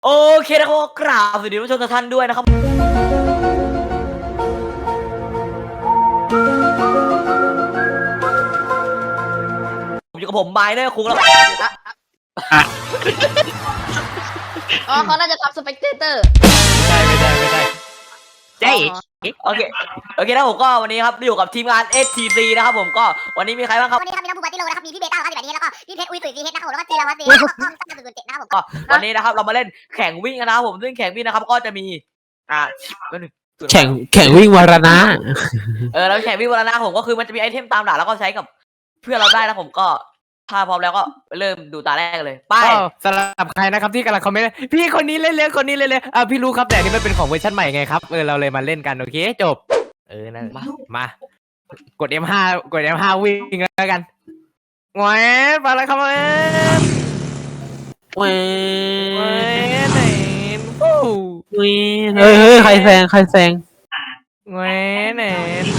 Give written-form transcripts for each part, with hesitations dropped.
โอเคนะครับกราบสวัสดีผู้ชมทุกท่านด้วยนะครับผมอยู่กับผมไมเนอร์คุงแล้วอ๋อเขาน่าจะทับสเปกเตอร์ไม่ได้เจ๊โอเคนะผมก็วันนี้ครับอยู่กับทีมงาน STC นะครับผมก็วันนี้มีใครบ้างครับวันนี้ครับมีน้องบูบัตติโลนะครับมีพี่เบต้าครับแบบนี้แล้วก็พี่เพชรอุ้ยตุ๋ยซีเฮดนะครับผมแล้วก็จีรวัตรซีแล้วก็ตั้งแต่07นะครับผมก็วันนี้นะครับเรามาเล่นแข่งวิ่งกันนะครับผมซึ่งแข่งวิ่งนะครับก็จะมีแข่งวิ่งวรณะแล้วแข่งวิ่งวันละนะผมก็คือมันจะมีไอเทมตามหลักแล้วก็ใช้กับเพื่อนเราได้นะผมก็ถ้าพร้อมแล้วก็เริ่มดูตาแรกเลยไปสำหรับใครนะครับที่กำลังคอมเมนต์พี่คนนี้เล่นเลยคนนี้เล่นเลยพี่รู้ครับแต่นี่มันเป็นของเวอร์ชันใหม่ไงครับเราเลยมาเล่นกันโอเคจบนั่นมากด M5 วิ่งแล้วกันแหวนมาแล้วครับแหวนไหนฟูเฮ้ยใครแซงแหวนไหน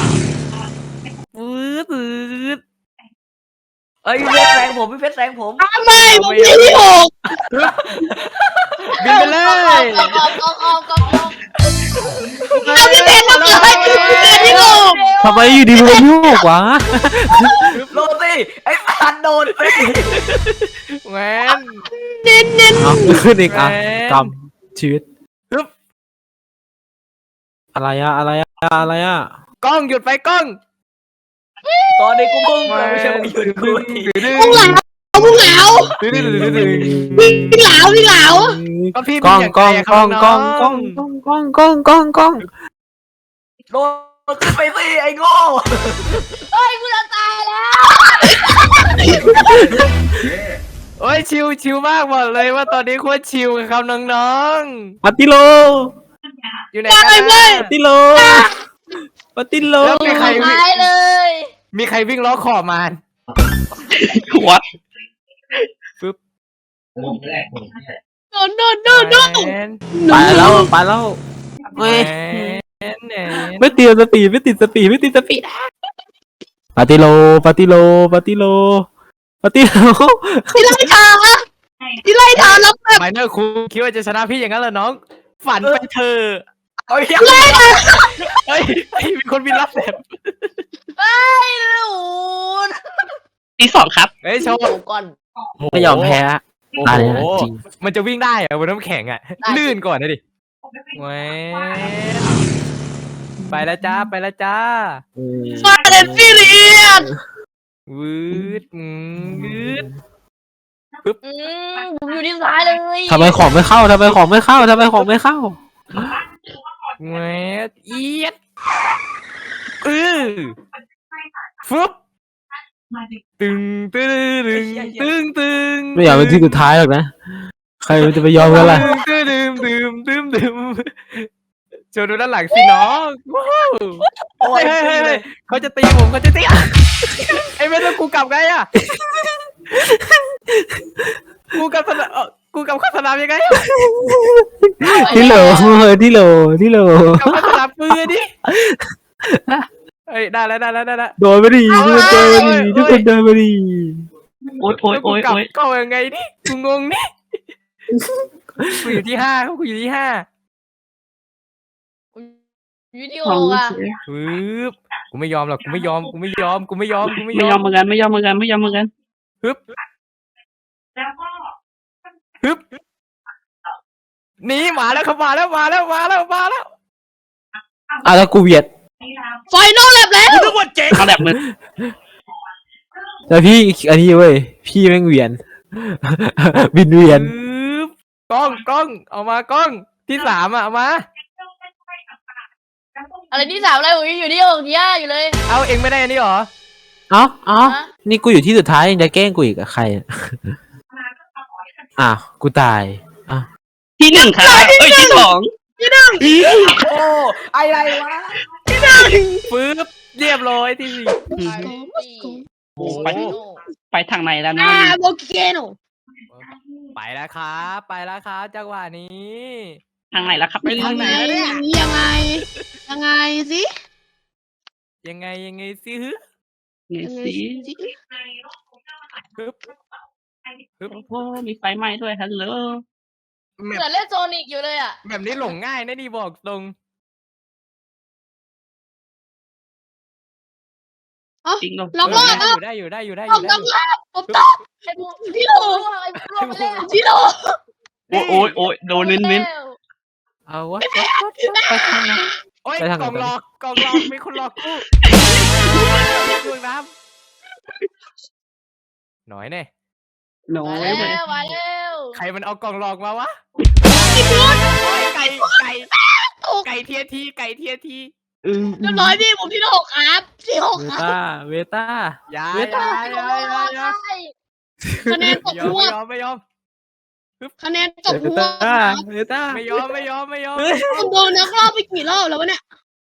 ปื๊ดพี่เพชรแซงผมพี่เพชรแซงผมไม่ผมที่หกบินไปเลยกองพี่เพชรทำอะไรที่หกทำไมอยู่ดีมันยุ่งวะโดนสิไอ้พันโดนสิแหวนเอาขึ้นอีกอ่ะกำชีวิตอะไรอะกล้องหยุดไปกล้องตอนนี้กูพุ่งไม่ใช่มึงหยุดกูทีพุ่งเหลาพี่เหลาก็พี่กล้องโดนโดนขึ้นไปสิไอ้โง่เฮ้ยกูจะตายแล้วโอ้ยชิวมากบอกเลยว่าตอนนี้โคตรชิวครับน้องปาติโลๆอยู่ไหนกันนะปาติโลแล้วมีใครตายเลยวิ่งล้อขอบมานวัดโดนแหวนไปแล้วเฮ้ยแหวนไม่ติดสปีดปาติโลที่ไล่ทางแล้วไมเนอร์ครูคิดว่าจะชนะพี่อย่างนั้นเหรอน้อง ฝันไปเถอะเอาเหี้ยเฮ้ยมีคนบินรับแบบเฮ้ยลูนที่สองครับเฮ้ยโชว์โอ้ก่อนไม่ยอมแพ้โอ้ตายโหเลยจริงมันจะวิ่งได้เหรอบนน้ำแข็งอ่ะ ลื่นก่อนนะดิแหวนไปแล้วจ้าฟาเดนฟิเลียนวืดวืดผมอยู่ที่ซ้ายเลยทำไมของไม่เข้าแหวนเอียดฟึบตึงไม่อยากเป็นที่สุดท้ายหรอกนะ ใครมันจะไปยอมกันล่ะตึมโชว์ดูด้านหลังสิน้องว้าวโอ้ยเฮ้ยเขาจะตีผมไอ้เว้ยแล้วกูกลับไงอ่ะกูกลับเข้าสนามยังไงอะที่โหลกลับเข้าสนามปืนดิเฮ้ยได้แล้วโดนไปดิทุกคนโดนไปดิโอ๊ยก็ยังไงดิกูงงนี่กูอยู่ที่5กูอยู่ที่5 อยู่ที่หกอ่ะปึ๊บกูไม่ยอมหรอกกูไม่ยอมไม่ยอมเหมือนกันปึ๊บหนีมาแล้วครับมาแล้วแล้วกูเวียดไฟนอลแลบแล้วเขาแบบมึงแต่พี่อันนี้เว้ยพี่แม่งเวียน บินเวียนปึ๊บกล้องเอามากล้องที่3อ่ะเอามาอะไรที่สามอะไรผมอยู่ที่หกที่ห้าอยู่เลยเอาเองไม่ได้อันนี้หรอเอ้านี่กูอยู่ที่สุดท้ายยังจะแกล้งกูอีกอะใครกูตายที่1ครับที่2 โอ้อะไรวะปึ๊บเรียบร้อยที่โอ้ไปทางไหนแล้วนะโอเคโน 4ไปแล้วครับจังหวะนี้ทางไหนแล้วครับไปทางไหนแล้วเนี่ยยังไงสิยังไงสิฮึนี่สิปึ๊บโอ้มีไฟไหม้ด้วยฮัลโหลเหมือนเล่นโซนิกอยู่เลยอ่ะแบบนี้หลงง่ายนะนี่บอกตรงจริงเหรอล็อกรอบได้อยู่ได้อยู่ได้อผมยู่ได้ต้อองยู่ลากผมตอบไอ้พี่โลไอ้พี่โลไปแล้วพี่โลโอ้ยโอ้ยโดนเน้นเอาวะไปทางไหนโอ้ยไปทางไหนกล่องหลอกมีคนหลอกกูดูน้ำหน่อยเนี่ยๆน้อมายไปแล้วมาแล้วใครมันเอากล่องหลอกมาวะไก่ไก่เทียทีไก่เทียทีเออเรียบร้อยพี่ผมที่6ครับที่6 เวครับต้าเวต้าอย่าเวอต้าย่าอย่าคะแนนตกยอหัมวไม่ยอมคะแนนตกเวหัวต้าเวต้าไม่ยอมไม่ยอมไม่ยอมผมโดนนักรอบไปกี่รอบแล้ววะเนี่ย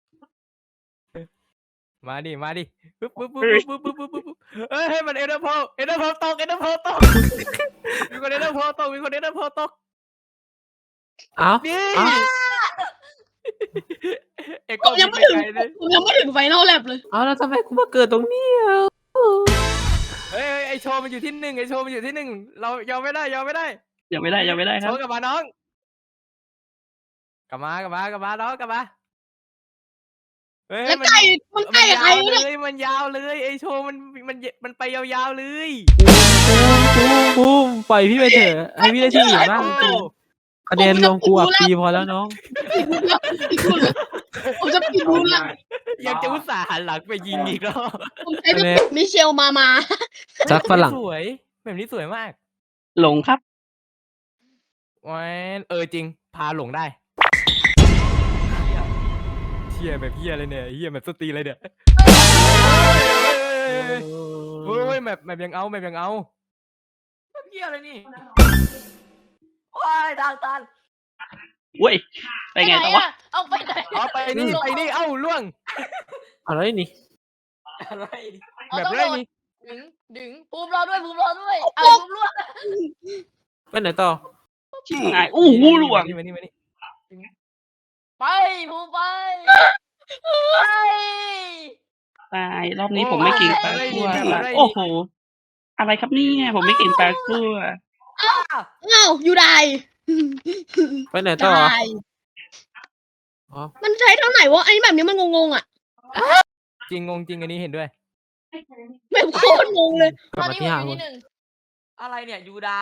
มาดิมาดิปึ๊บปึ๊บปึ๊บปึ๊บปึ๊บปึ๊บปึ๊บเฮ้ยให้มันเอเดอร์โพตกเอเดอร์โพตกมีคนเอเดอร์โพตกมีคนเอเดอร์โพตกเอ้านี่เอ้าเอ็กผมยังไม่ถึง ผมยังไม่ถึงไฟนอลแลบเลยเอาแล้วทำไมกูมาเกิดตรงนี้อ่ะเฮ้ยไอโชว์มันอยู่ที่1ไอโชว์มันอยู่ที่1เรายอมไม่ได้ยอมไม่ได้ยังไม่ได้คโชรับว์กลับมาน้องกลับมาน้องกลับมาเฮ้ยแล้วไก่มันไก่ใครเนี่ยมันยาวเลยไอโชว์มันไปยาวๆเลยกูปล่อยพี่ไปเถอะให้พี่ได้ที่หนึ่งบ้างคะแนนรวมกูอับปีพอแล้วน้องผมจะปิดรูละยังจะอุตส่าห์หันหลังไปยิงอีกแล้วผมใช้ไปมิเชลมาซักฝรั่งสวยแบบนี้สวยมากหลงครับแวนจริงพาหลงได้เฮียแบบเฮียเลยเนี่ยเฮียแบบสตรีเลยเนี่ยเฮ้ยแบบยังเอาแบบยังเอาเฮียเลยนี่ว้ายทางตันเว้ยไปไงต่อวะเอาไปไหนเอาไปนี่เอ้าล่วงอะไรนี่อะไรเอาแบบต้องไรโดดนี่ดึงภูมิรอด้วยเอาภูมิรอดไปไหนต่อชิบหายอู้หูหลวงมานี่ไปภูมิไปตายรอบนี้ผมไม่เก่งแปลกลัวละโอ้โหอะไรครับเนี่ยผมไม่เก่งแปลกลัวเงาอยู่ได้ไปไหนต่อได้อ๋อมันใช้เท่าไหร่วะไอ้แบบนี้มันงงๆอ่ะจริงงงจริงอันนี้เห็นด้วยแบบโคตรงงเลยกลับมาที่ห้างคนอะไรเนี่ยยูได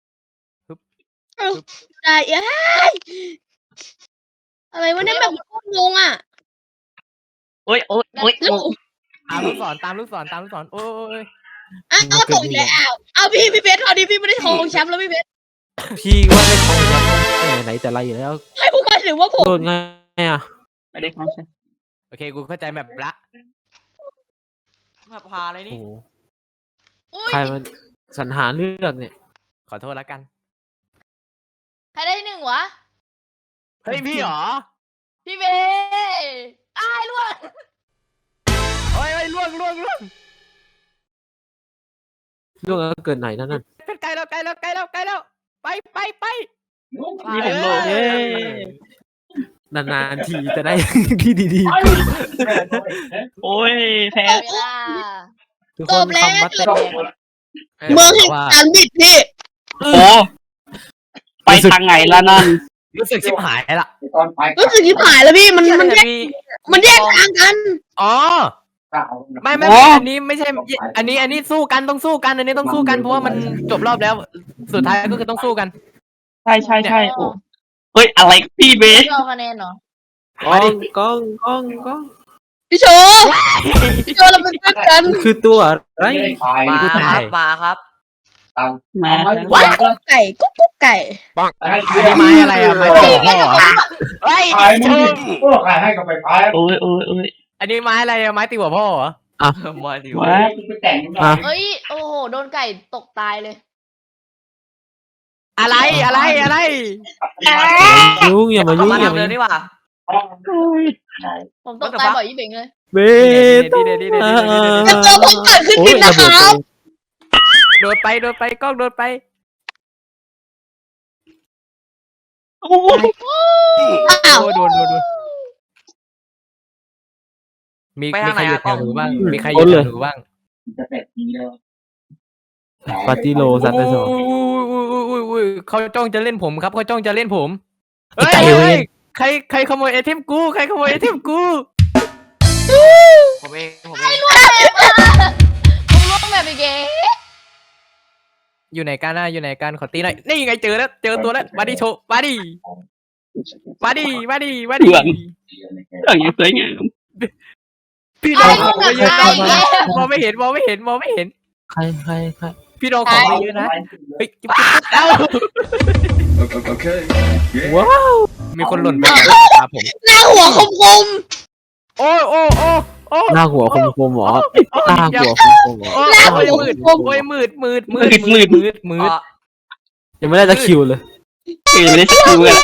ได้เอ้ยอะไรวะเนี่ยแบบโคตรงงอ่ะโอ้ยโอ้ยโอ้ยแล้วตามลูกศรโอ้ยเอาตกอีกแล้วเอาพี่เบสเอาดิพี่ไม่ได้ทองแชมป์แล้วพี่เบสพี่ว่าได้ของแชมป์ไหนแต่ไรอยู่แล้วให้ผมมาถึงว่าผมโดนไงอ่ะไม่ได้ของใช่โอเคกูเข้าใจแบบละมาพาอะไรโอ้นี่โหอุ้ยใครมันสรรหาเลือกเนี่ยขอโทษแล้วกันใครได้ที่1วะเฮ้ยพี่หรอพี่เบสอ้ายล่วงโอ้ยล่วงเรื่องเกิดไหนนั่นน่ะใกล้แล้วไปนี่ผมโลเย้นานๆทีจะได้ ที่ดีๆขึ้นโอ้ยแพ้เวลาทุกคนคำว่าเต้นเมืองแห่งการบิดพี่โอ้ไปทางไหนละนั่นรู้สึกชิบหายละรู้สึกที่ผ่านแล้วพี่มันแยกทางกันอ๋อไม่อันนี้ไม่ใช่อันนี้สู้กันต้องสู้กันอันนี้ต้องสู้กันเพราะว่ามันจบรอบแล้ว สุดท้ายก็คือต้องสู้กันใช่โอ้เฮ้ยอะไรพี่เบสไม่เอาคะแนนเหรอกล้องพี่โชเราเป็นเพื่อนกันคือตัวอะไรมากูคถ่ารัยบมาครับมาว้าวกุ๊กไก่กุ๊กไก่อันนี้ไม้อะไรอะไม้ตีหัวพ่อเหรอเฮ้ยขายให้กับไปขายโอ้ยอันนี้ไม้อะไรอะไม้ตีหัวพ่อเหรอมาดิว้าไปแต่งเอ้ยโอ้โหโดนไก่ตกตายเลยอะไรยุ่งอย่ามายุ่งมาอย่าทำมาเลยดีกว่าผมตกตายบ่อยยี่เบ่งเลยเบดีจะเจอผมเกิดขึ้นจริงนะครับโดดไปกล้องโดดไปโอ้อ้าวโดนมีใครหยุดแถวหนูบ้างมีใครหยุดแถวหนูบ้างจะแต่งดีแล้วปาร์ตี้โลซันไปสองอุ้ยเขาจ้องจะเล่นผมครับเขาจ้องจะเล่นผมไอ้เฮ้ยไก่เว้เฮ้ยยใครขโมยไอเทมกูใครขโมยไอเทมกูผมเองมึงล่วงแบบอีกเก๋อยู่ไหนกันนะอยู่ไหนกันขอตีหน่อยนี่ไงเจอแล้วเจอตัวแล้วมาดิโชว์มาดิมาดิอย่างเงี้ยสวยงามพี่น้องของไม่เยอะนะมองไม่เห็นมองไม่เห็นใครพี่น้องของไม่เยอะนะเฮ้ยเอ้าว้าวมีคนหล่นไปครับผมหน้าหัวคมโอ้หน้าหัวคมๆหรอหน้าหัวคมๆหรอโอ้ยมืดยังไม่ได้ตะคิวเลยคือไม่ได้สกิลกัน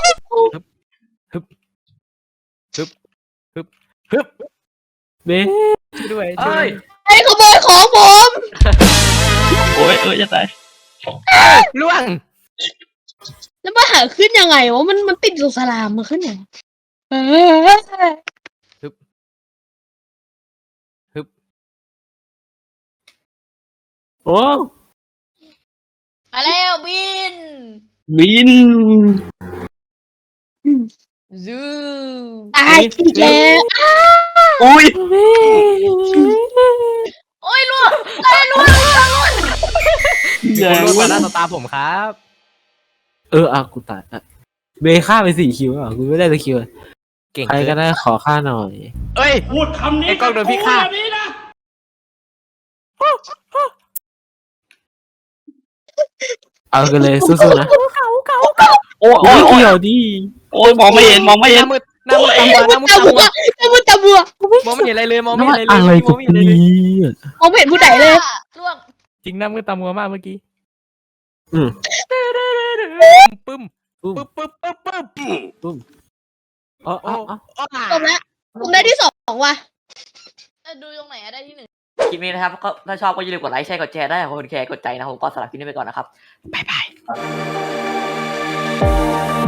เบ้ด้วยเอ้ยๆไอ้ขโมยของผมโอ้ยจะตายล่วงแล้วมาหาขึ้นยังไงวะมันติดสุสลามมาขึ้นยังเออโอ้มาแล้วบินบินซูตายอีกแล้วอุ้ยโอ้ยล่วงอย่างล่วงว่าต่อหน้าต่อตาผมครับกูตายเบฆ่าไป4 คิวอ่ะกูไม่ได้ตะคิวเก่งใครก็ได้ขอค่าหน่อยเอ้ยพูดคำนี้ไอ้กล้องโดนพี่ฆ่าแบบนี้นะเอากันเลยสู้ๆนะโอ้ยโอ้โอ้ยยเกี่ยวดิโอ้ยมองไม่เห็นหน้ามืดตามัวตาตาบัวมองไม่เห็นอะไรเลยมองไม่น้ำเห็มันนอะไรเลยอะไรมกัองบไม่เห็นอะไรนีเลย่มองไม่เห็นผู้ใดเลยล่วงจริงหน้ามืดตามัวมากเมื่อกี้อืมปึ้มปุ้มปึ๊บอ๋อจบแล้วผมได้ที่2ว่ะดูตรงไหนอะได้ที่1 คลิปนี้นะครับก็ถ้าชอบก็อย่าลืมกดไลค์แชร์กดแชร์ได้ขอบคุณแชร์กดใจนะผมก็สำหรับคลิปนี้ไปก่อนนะครับบ๊ายบาย